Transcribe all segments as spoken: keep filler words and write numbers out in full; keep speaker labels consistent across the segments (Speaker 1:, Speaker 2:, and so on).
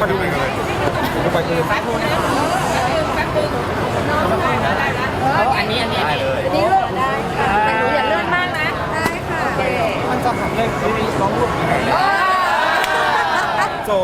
Speaker 1: มาดูกันเลยดูไปคือแป๊บนึงแป๊บนึงอันนี้อันนี้อันนี้
Speaker 2: นี่ได้ค่ะแต่หนูอย่าเลื่อนมากนะได้ค่ะโอเค
Speaker 1: มันจะหักเลยคือสองรูปโจ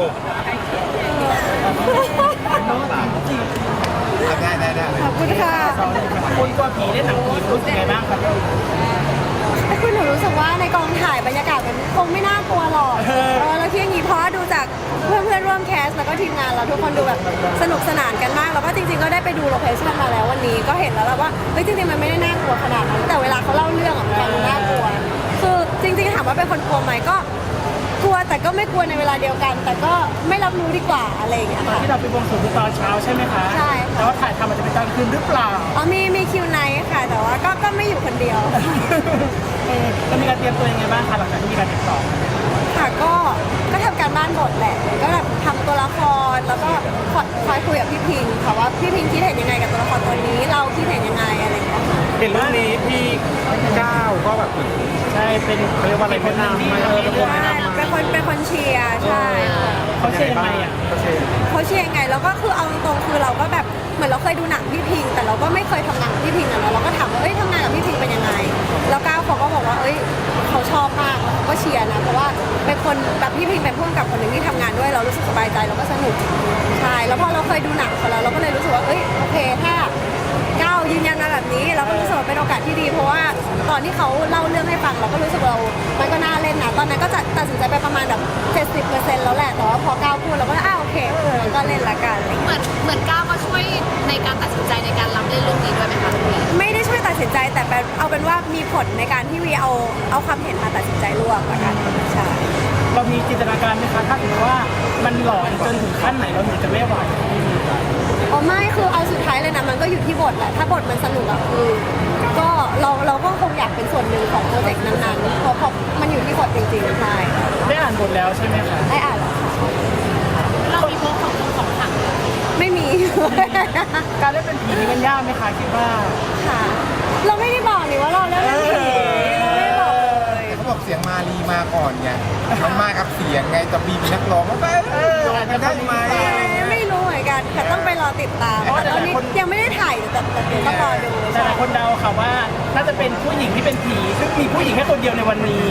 Speaker 1: ได้ได้ได้
Speaker 2: ขอบคุณค่ะ
Speaker 3: คุณตัวผีได้หนังผีรู้สึกไงบ้างครับ
Speaker 2: คือหนูรู้สึกว่าในกองถ่ายบรรยากาศมันคงไม่น่ากลัวหรอกเออแล้วที่อย่างนี้เพราะดูจากเพื่อนเพื่อนร่วมแคสแล้วก็ทีมงานเราทุกคนดูแบบสนุกสนานกันมากแล้วก็จริงๆก็ได้ไปดูโลเคชั่นมาแล้ววันนี้ก็เห็นแล้วว่าเฮ้ยจริงๆมันไม่ได้น่ากลัวขนาดนั้นแต่เวลาเขาเล่าเรื่องอ่ะมันน่ากลัวคือจริงๆถามว่าเป็นคนกลัวไหมก็กลัวแต่ก็ไม่กลัวในเวลาเดียวกัน แต่ก็ไม่รับรู้ดีกว่าอะไรอย่างเงี้ย
Speaker 3: ตอน
Speaker 2: ค่ะ
Speaker 3: ที่เราไปบวงสรวงตอนเช้าใช่ไหมคะ
Speaker 2: ใช่ค่ะ
Speaker 3: แต่ว่าถ่ายทำมันจะเป็นตอนคืนหรือเปล่า
Speaker 2: อ๋อมีมีคิวไนท์ค่ะแต่ว่าก็ก็ไม่อยู่คนเดียว
Speaker 3: เออแล้วมีการเตรียมตัวยังไงบ้างคะหลังจากที่มีการติดต่อ
Speaker 2: ค่ะก็ก็ทำการบ้านบทแหละก็แบบทำตัวละครแล้วก็คอยคอยคุยกับพี่พิงค่ะว่าพี่พิงคิดเห็นยังไงกับตัวละครตัวนี้เราคิดเห็นยังไงอะไรอย่างเงี้ยค่ะ
Speaker 1: เห็นเรื่องนี้พี่ก้าวก็แบบ
Speaker 3: ใช่เป็นเขาเรียกว่าอะไรเป็นนางที่เออเป็นคน
Speaker 2: ใช่เป็นคนเป็นคนเชียร์ใช่ค่ะ
Speaker 3: เขาเชื่อยังไงอ่ะ
Speaker 1: เขาเชียร์
Speaker 2: เขาเชียร์ยังไงแล้วก็คือเอาตรงๆคือเราก็แบบเหมือนเราเคยดูหนังพี่พิงแต่เราก็ไม่เคยทำงานกับพี่พิงอะเนาะเราก็ถามว่าเอ้ยทำงานกับพี่พิงเป็นยังไงแล้วก้าวเขาก็บอกว่าเอ้ยเขาชอบมากแล้วเขาก็เชียร์นะเพราะว่าเป็นคนแบบพี่พิงเป็นผู้กำกับคนหนึ่งที่ทำงานด้วยเรารู้สึกสบายใจแล้วก็สนุกใช่แล้วพอเราเคยดูหนังเขาแล้วเราก็เลยรู้สึกว่าเอ้ยโอเคถ้าก้าวยืนยันมาแบบนี้เราก็รู้สึกว่าเป็นโอกาสที่ดีเพราะว่าตอนที่เขาเล่าเรื่องให้ฟังเราก็รู้สึกเรามันก็น่าเล่นนะตอนนั้นก็จะตัดสินใจไปประมาณแบบเจ็ดสิบเปอร์เซ็นต์แล้วแหละแต่ว่าพอก้าวพูดเราก็อ้าวโอเคเราก็เล่นละกันอะไร
Speaker 4: เหมื
Speaker 2: เงี้ย
Speaker 4: อนเหมือนก้าวก็ช่วยในการตัดสินใจในการรับเล่นเรื่องนี้ด้วยไหมคะพี่
Speaker 2: ไม่ได้ช่วยตัดสินใจแต่เป็นเอาเป็นว่ามีผลในการที่วีเอาเอาความเห็นมาตัดสินใจร่วมละกันใช่
Speaker 3: เรามีจินตนาการไหมคะถ้าถือว่ามันหลอนจนถึงขั้นไหนเราถึงจะไม่ไหว
Speaker 2: อ๋อไม่คือเอาสุดท้ายเลยนะมันก็อยู่ที่บทแหละถ้าบทมันสนุกอะคือก็เราเราก็คงอยากเป็นส่วนหนึ่งของโปรเจกต์นั้นๆเพราะเพราะมันอยู่ที่บทจริงๆใช่
Speaker 3: ได้อ่านบทแล้วใช่ไหมคะ
Speaker 2: ได้อ่านแล้วค่ะ
Speaker 4: เรามีพวกของของขัง
Speaker 2: ไม่มี
Speaker 3: การเล่นเป็นผีนี่มันยากไหมคะคิดว่า
Speaker 2: ค่ะ เราไม่ได้บอกนี่ว่าเราเล่นเรื่องผีเราไม่ได้บอกเลย
Speaker 1: เขาบอกเสียงมาลีมาก่อนไงมันมากับเสียงไงแต่บีเป็นนักร้องก็เอออาจจะได้ไหม
Speaker 2: ไม่รู้เหมือนกันค่ะต้องไปรอติดตามเพราะตอนนี้ยังไม่ได้ถ่ายแต่แต่เดี๋ยวต้องรอดู
Speaker 3: แต่หลายคนเดาค่ะว่าน่าจะเป็นผู้หญิงที่เป็นผีซึ่งมีผู้หญิงแค่คนเดียวในวันนี้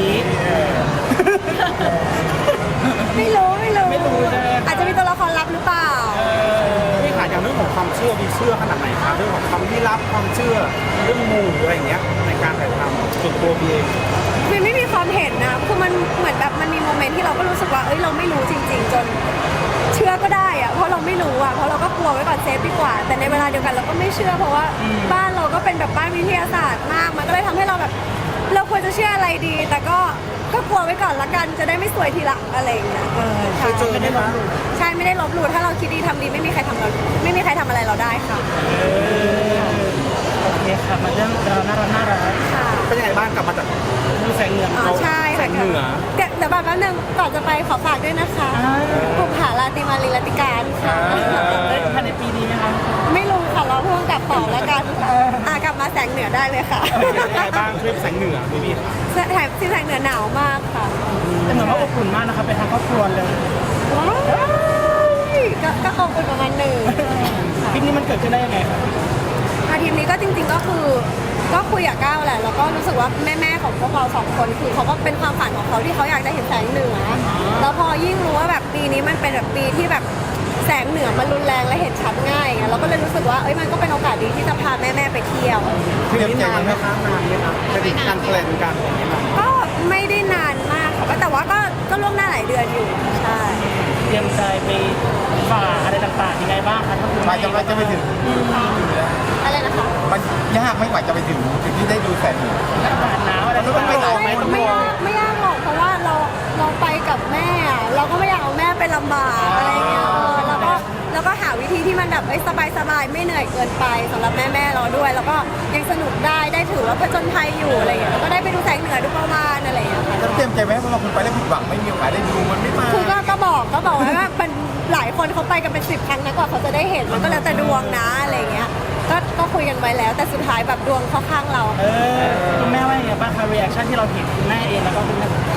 Speaker 2: ไม่รู้ไม่รู้
Speaker 3: ไม่รู้ใช่ไหม
Speaker 2: อาจจะมีตัวละครลับหรือเปล่า
Speaker 1: พี่ขาดอย่างเรื่องของความเชื่อมีเชื่อขนาดไหนคะเรื่องของความลี้ลับความเชื่อเรื่องมูอะไรอย่างเงี้ยในการถ่ายทำส่วนตัวบีเอง
Speaker 2: คือไม่มีความเห็นนะคือมันเหมือนแบบมันมีโมเมนต์ที่เราก็รู้สึกว่าเอ้ยเราไม่รู้จริง ๆ จนเชื่อก็ได้อะเพราะเราไม่รู้อะเพราะเราก็กลัวไว้ก่อนเซฟดีกว่า แต่ในเวลาเดียวกันเราก็ไม่เชื่อเพราะว่าบ้านเราก็เป็นแบบบ้านวิทยาศาสตร์มาก มันก็เลยทำให้เราแบบ เราควรจะเชื่ออะไรดี แต่ก็ก็กลัวไว้ก่อนละกันจะได้ไม่สวยทีหลังอะไรอย่างเงี้ยใช่
Speaker 3: ไม่ได้ลบหลู่
Speaker 2: ใช่ไม่ได้ลบหลู่ถ้าเราคิดดีทำดีไม่มีใครทำเราไม่มีใครทำอะไรเราได้ค่ะ
Speaker 3: โอเคค่ะมาเรื่องเราน่ารักน่ารัก
Speaker 2: ค่ะ
Speaker 1: เป็นยังไงบ้างกลับมาจาก
Speaker 3: ดูแสงเหนือ
Speaker 2: อ๋อใช่ค่ะ
Speaker 1: เหนือ
Speaker 2: เดี๋ยวเดี๋ยวแบบแป๊บนึงก่อนจะไปขอฝากด้วยนะคะกลุ่มหาลาติมาลีลาติการค่ะ
Speaker 3: ได้ภายในปีนี้ไหมคะ
Speaker 2: ไม่รู้ค่ะเราเพิ่งกลับต่อแล้วกันอ่ะกลับมาแสงเหนือได้เลยค่ะ
Speaker 1: เป็นยังไงบ้างคลิปแสงเหนือบีบี
Speaker 2: แถมที่แสงเหนือหนาวมากค่ะ
Speaker 3: แต่เหมือนว่าอบอุ่นมากนะคะเป็นทางครอบครัวเลย
Speaker 2: ว้ายก็ก็อบอุ่นประมาณหนึ่ง
Speaker 3: คลิปนี้มันเกิดขึ้นได้ยังไงคะ
Speaker 2: อาทีมนี้ก็จริงๆก็คือก็คุยกับก้าวแหละแล้วก็รู้สึกว่าแม่ๆของพวกเราสองคนคือเขาก็เป็นความฝันของเขาที่เขาอยากจะเห็นแสงเหนือแล้วพอยิ่งรู้ว่าแบบปีนี้มันเป็นแบบปีที่แบบแสงเหนือมันรุนแรงและเห็นชัดง่ายไงเราก็เลยรู้สึกว่าเอ้ยมันก็เป็นโอกาสดีที่จะพาแม่ๆไปเที่ยว
Speaker 1: เตรียมใจมันไหมคะนานไหมคะจะถึงการแพลนการอย่างนี้ย
Speaker 2: ก็ไม่ได้นานมากค่ะแต่ว่าก็ก็ล่วงหน้าหลายเดือนอยู่ใช่
Speaker 3: เตรียมใจไปฝ่าอะไรต่างๆยังไงบ้างคะถ้าคุณ
Speaker 1: ไปจะไปจะไปถึง
Speaker 2: อะไรนะคะ
Speaker 1: มันยากไม่กว่าจะไปถึงจุดที่ได้ดูแสงเหนือ
Speaker 3: อากาศหนาวอะไร
Speaker 1: มันต้องไปไหน
Speaker 2: ไม่ไม่ยากไม่ยากหรอกเพราะว่าเราเราไปกับแม่อะเราก็ไม่อยากเอาแม่ไปลำบากอะไรเงี้ยเออแล้วก็แล้วก็หาวิธีที่มันแบบเอ้ยสบายสบายๆไม่เหนื่อยเกินไปสำหรับแม่แม่ๆเราด้วย แล้วก็ยังสนุกได้ได้ถือว่าผจญภัยอยู่อะไรเงี้ยแล้วก็ได้ไปดูแสงเหนือดูประวานอะไรเงี้ยค่ะ
Speaker 1: จะเตรียมใจไหมเพราะเราคุณไปแล้วผิดหวังไม่มีโอกาสได้ดูมันไม่มา
Speaker 2: คือก็ก็บอกก็บอกไว้ว่าเป็นหลายคนเขาไปกันเป็นสิบครั้งนะกว่าเขาจะได้เห็นมันก็แล้วแต่ดวงนะอะไรเงี้ยก็ก็คุยกันไว้แล้ว แต่สุดท้ายแบบดวงเข้าข้างเรา
Speaker 3: เออคุณแม่ว่าอย่างไรบ้างคะรีแอคชั่นที่เราเห็นคุณแม่เองแล้วก็คุณแม่
Speaker 2: ค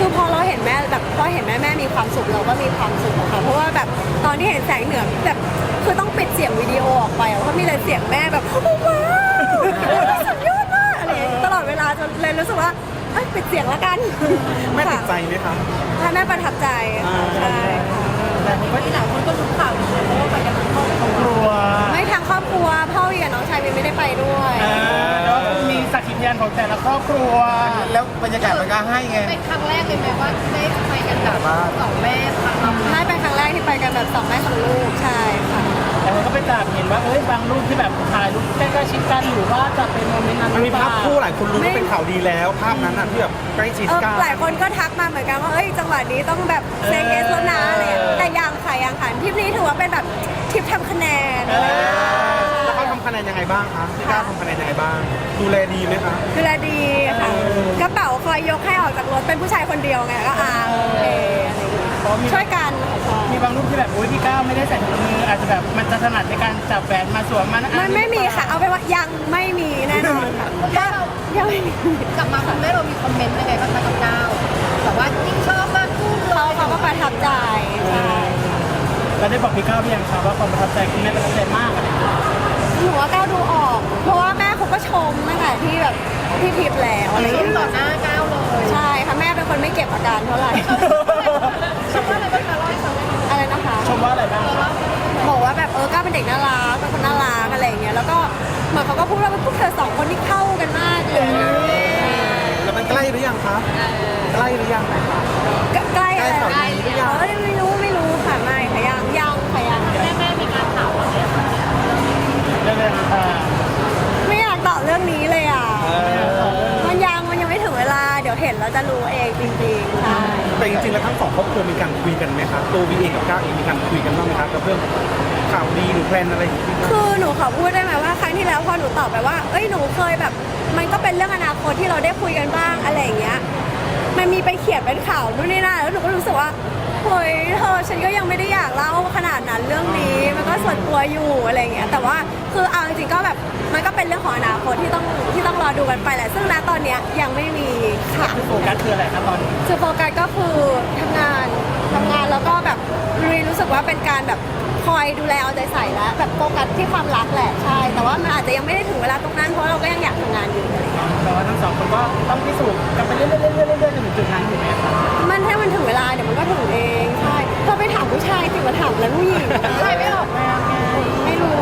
Speaker 2: คือพอเราเห็นแม่แบบพอเห็นแม่แม่มีความสุขเราก็มีความสุขอะค่ะเพราะว่าแบบตอนที่เห็นแสงเหนือแบบคือต้องปิดเสียงวิดีโอออกไปอะเพราะมีแต่เสียงแม่แบบว้าวสุดยอดมากอะไรอย่างเงี้ยตลอดเวลาจนเลยรู้สึกว่าเอ้ยปิดเสียงแล้วกัน
Speaker 1: แม่ติดใจไหมคะ
Speaker 2: ให้แม่ประทับใจค่ะใช่ค่ะ
Speaker 3: แต่ผมว่าที่หลายคนก็รู้ข่าวอยู่เพราะว่าไปกันทั้งครอบครัว
Speaker 2: ไม่ทางครอบครัวพ่อวีกับน้องชายวีไม่ได้ไปด้วย
Speaker 3: อ่าแล้วมีสักขีพยานของแต่ละครอบครัว
Speaker 5: แล้วบรรยากาศมันก็ให้ไง
Speaker 4: เป็นครั้งแรกเลยไหมว่าได้ไปกันแบบสองแม่ทำ
Speaker 2: ให้เป็นครั้งแรกที่ไปกันแบบสองแม่สองลูกใช่ค่ะ
Speaker 3: แต่ผมก็ไปจับเห็นว่าเอ้ยบางรูปที่แบบถ่ายรูปใกล้ๆชิดกันหรือว่าจะเป็นโมเมนต์นั้น
Speaker 1: มัน
Speaker 3: ห
Speaker 1: มี
Speaker 3: รือเป
Speaker 1: ภา
Speaker 3: ล่า
Speaker 1: พคู่หลายคนรู้ว่าเป็นข่าวดีแล้ว ภาพนั้นน่ะที่แบบใกล้ชิด
Speaker 2: เออ
Speaker 1: กัน
Speaker 2: หลายคนก็ทักมาเหมือนกันว่าเอ้ยจังหวะนี้ต้องแบบเซงเอสแล้วนะอะไรอย่างเงี้ยแต่ยังค่ะยังค่ะทริปนี้ถือว่าเป็นแบบทริปทำคะแนน
Speaker 1: แล้วเขาทำคะแนนยังไงบ้างคะพี่ก้าวทำคะแนนยังไงบ้าง ดูแลดีไหมคะ
Speaker 2: ดูแลดีค่ะกระเป๋าคอยยกให้ออกจากรถเป็นผู้ชายคนเดียวไงก็อ่าโอเคอะไรอย่างเงี้ย
Speaker 3: เพราะมี
Speaker 2: ช่วยกัน
Speaker 3: มีบางรูปที่แบบอุ้ยพี่ก้าวไม่ได้ใส่ถุงมืออาจจะแบบมันจะถนัดในการจับแหวนมาสวมมัน
Speaker 2: มันไม่มีค่ะเอาเป็นว่ายังไม่มีแน่นอนค่ะถ้ายังไม่มี
Speaker 4: กลับมาคุณแม่เรามีคอมเมนต์ยังไงบ้างคะกับก้าวแบบว่ายิ่งชอบมากขึ้นเล
Speaker 2: เขา
Speaker 4: ย
Speaker 2: เขาก็ประทับใจใช่
Speaker 3: เราได้บอกพี่ก้าวหรือยังครับว่าความประทับใจคุณแม่ประทับใจมากอะไรอย่างเงี้ย
Speaker 2: หนูว่าก้าวดูออก เพราะว่าแม่เขาก็ชมตั้งแต่ที่แบบที่ทริปแล้วอะไรอย่าง
Speaker 4: ชม
Speaker 2: เงี้ย
Speaker 4: ต่อหน้าก้าวเลย
Speaker 2: ใช่ค่ะแม่เป็นคนไม่เก็บอาการเท่าไหร่
Speaker 4: ชมว่าอะไรบ้างคะเล่าให้ฟังได้ไหม
Speaker 2: อะไรนะคะ
Speaker 3: ชมว่าอะไรบ้าง
Speaker 2: บอกว่าแบบเออก้าวเป็นเด็กน่ารักเป็นคนน่ารักอะไรอย่างเงี้ยแล้วก็เหมือนเขาก็พูดว่าพวกเธอสองคนที่เข้ากันมากเลย
Speaker 1: แล้วมันใกล้หรือยังคะใกล้หรือยังคะ
Speaker 2: ใกล้อะไร
Speaker 1: ใกล้ข่าวดีหรือยัง
Speaker 2: เออไม่รู้ไม่รู้ค่ะไม่ค่ะยังยังค่ะยัง
Speaker 4: แม่แม่มีการถามว่าเนี่ย
Speaker 3: เรื่องอะไรอ่า
Speaker 2: ไม่อยากตอบเรื่องนี้เลยอ่ะ
Speaker 1: เออ
Speaker 2: มันยังมันยังไม่ถึงเวลาเดี๋ยวเห็นแล้วจะรู้เองจริงๆใช่
Speaker 1: แต่จริงๆแล้วทั้งสองครอบครัวมีการคุยกันไหมคะตัววีเองกับก้าวเองมีการคุยกันบ้างไหมคะกับเรื่องข่าวดีหรือแพลนอะไรอย่างเงี้ย
Speaker 2: คือหนูขอพูดได้ไหมว่าครั้งที่แล้วพอหนูตอบไปว่า เอ้ยหนูเคยแบบ มันก็เป็นเรื่องอนาคตที่เราได้คุยกันบ้างอะไรอย่างเงี้ย มันมีไปเขียนเป็นข่าวนู่นนี่นั่นแล้วหนูก็รู้สึกว่าเฮ้ยเธอฉันก็ยังไม่ได้อยากเล่าขนาดนั้นเรื่องนี้มันก็ส่วนตัวอยู่อะไรอย่างเงี้ยแต่ว่าคือเอาจริงๆก็แบบมันก็เป็นเรื่องของอนาคตที่ต้องที่ต้องรอดูกันไปแหละซึ่งณตอนเนี้ยยังไม่มีค่ะ
Speaker 3: โฟกัสคืออะไรครับตอนนี้
Speaker 2: คือโฟกัสก็คือทำงานทำงานแล้วก็แบบรีรู้สึกว่าเป็นการแบบคอยดูแลเอาใจใส่แล้วแบบโฟกัสที่ความรักแหละใช่แต่ว่ามันอาจจะยังไม่ได้ถึงเวลาตรงนั้นเพราะเราก็ยังอยากทำงานอยู่
Speaker 3: แต่ว่าทั้งสองคนก็ต้องพิสูจน์กันไปเรื่อยๆเรื่อยๆเรื่อยๆจนถึงจุดนั้นถูกไหมครับ
Speaker 2: มันถ้ามันถึงเวลาเดี๋ยวมันก็ถึงเองใช่เธอไปถามผู้ชายสิมาถามแล้วผู้หญิง
Speaker 4: ใครไม่ออกมาไง
Speaker 2: ไม่รู้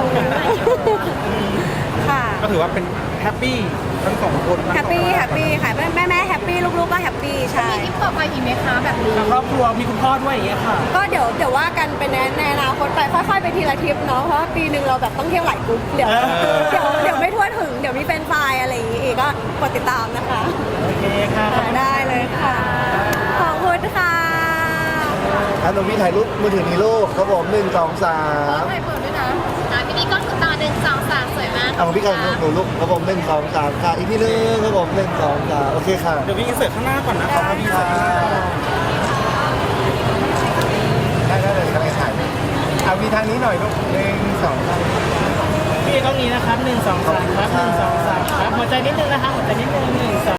Speaker 2: ค่ะ
Speaker 1: ก็ถือว่าเป็นแฮปปี้ทั้งสองคนทั้งสอง
Speaker 2: แฮปปี้แฮปปี้ค่ะแม่แม่แม่แฮปปี้ลูกๆก็แฮปปี้ใช่
Speaker 4: มีคลิปต่อไปอีกไหมคะแบบนี้
Speaker 3: ทางครอบครัวมีคุณพ่อด้วยอย่างเงี้ยค่ะ
Speaker 2: ก็เดี๋ยวเดี๋ยวว่ากันเป็นในในอนาคตไปค่อยๆไปทีละทริปเนาะเพราะว่าปีหนึ่งเราแบบต้องเที่ยวหลายกรุ๊ปเดี๋ยว
Speaker 3: เออ
Speaker 2: เดี๋ยวเดี๋ยวไม่ทั่วถึงเดี๋ยวมีเป็นไฟล์อะไรอย่างงี้อีกก็กดติดตามนะคะ
Speaker 3: โอเคค่ะ
Speaker 2: ได้เลยค่ะ ขอบคุณค่ะ
Speaker 5: อ่ะหนูพี่ถ่ายรูปมือถือนี้ลูกครับผมหนึ่งสองสาม
Speaker 4: ใครเปิดด้วยนะอ่ะพี่นี่ก็คือตาหนึ่งสองสามสวยมาก
Speaker 5: เอาพี่กันหนูลูกครับผมหนึ่งสองสามค่ะอีกทีหนึงครับผมหนึ่งสองสามโอเคค่ะ
Speaker 1: เดี๋ยววีอินเสิร์ตข้างหน้าก่อนนะครับวีอินเสิร์ตข้างหน้าก่อน
Speaker 5: ได้ได้เลยกำลังถ่ายเอาวีทางนี้หน่อยลูกหนึ่งสองสาม
Speaker 3: พี่ต้องนี้นะครับหนึ่งสองสามครับหนึ่งสองสามครับหัวใจนิดนึงนะครับหัวใจนิดนึงหนึ่งสอง